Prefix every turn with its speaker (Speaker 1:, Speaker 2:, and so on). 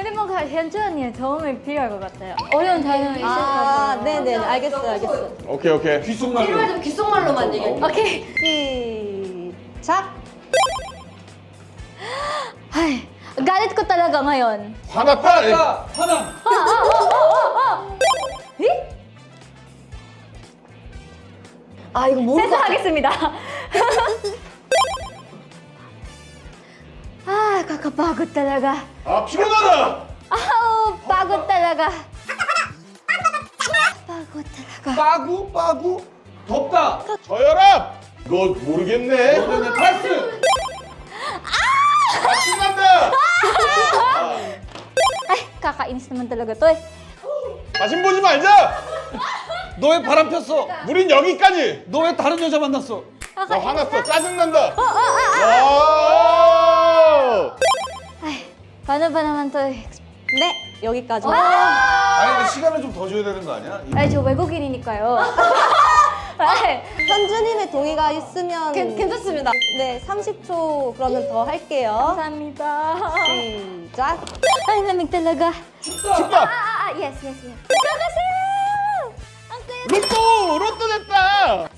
Speaker 1: 근데 뭔가 현주 언니의 도움이 필요할 것 같아요. 어려운 단어 있을 것 같아요.
Speaker 2: 네네, 알겠어요.
Speaker 3: 오케이.
Speaker 4: 귓속말로.
Speaker 5: 필요하면 귓속말로만 얘기해.
Speaker 1: 오케이.
Speaker 2: 시작!
Speaker 1: Ay, galit ko talaga ngayon.
Speaker 3: 화났다.
Speaker 4: 화남.
Speaker 2: 아, 이거 모르겠어.
Speaker 1: 세수하겠습니다. 아, kakapagod talaga.
Speaker 3: 아 피곤하다.
Speaker 1: 아우, pagod talaga. pagod talaga.
Speaker 4: 빠구. 덥다.
Speaker 3: 저혈압. 이거 모르겠네.
Speaker 4: 너는 패스.
Speaker 3: 신난다.
Speaker 1: Ay, kakainis naman talaga to eh.
Speaker 3: 다신 보지 말자.
Speaker 4: 너 왜 바람 폈어?
Speaker 3: 우린 여기까지.
Speaker 4: 너 왜 다른 여자 만났어?
Speaker 3: 나 화났어. 짜증난다. 와.
Speaker 1: Ay, paano ba naman to eh?
Speaker 2: 네, 여기까지.
Speaker 4: 아니 근데 시간을 좀 더 줘야 되는 거 아니야?
Speaker 1: Ay, 저 외국인이니까요. Ay,
Speaker 2: 현주님의 동의가 있으면
Speaker 5: 괜찮습니다.
Speaker 2: 네, 30초 그러면 더 할게요.
Speaker 1: 감사합니다.
Speaker 2: 시작!
Speaker 1: Ay, lamig talaga.
Speaker 3: 춥다.
Speaker 1: Yes. Kakasaya! Ang saya.
Speaker 3: 로또 됐다.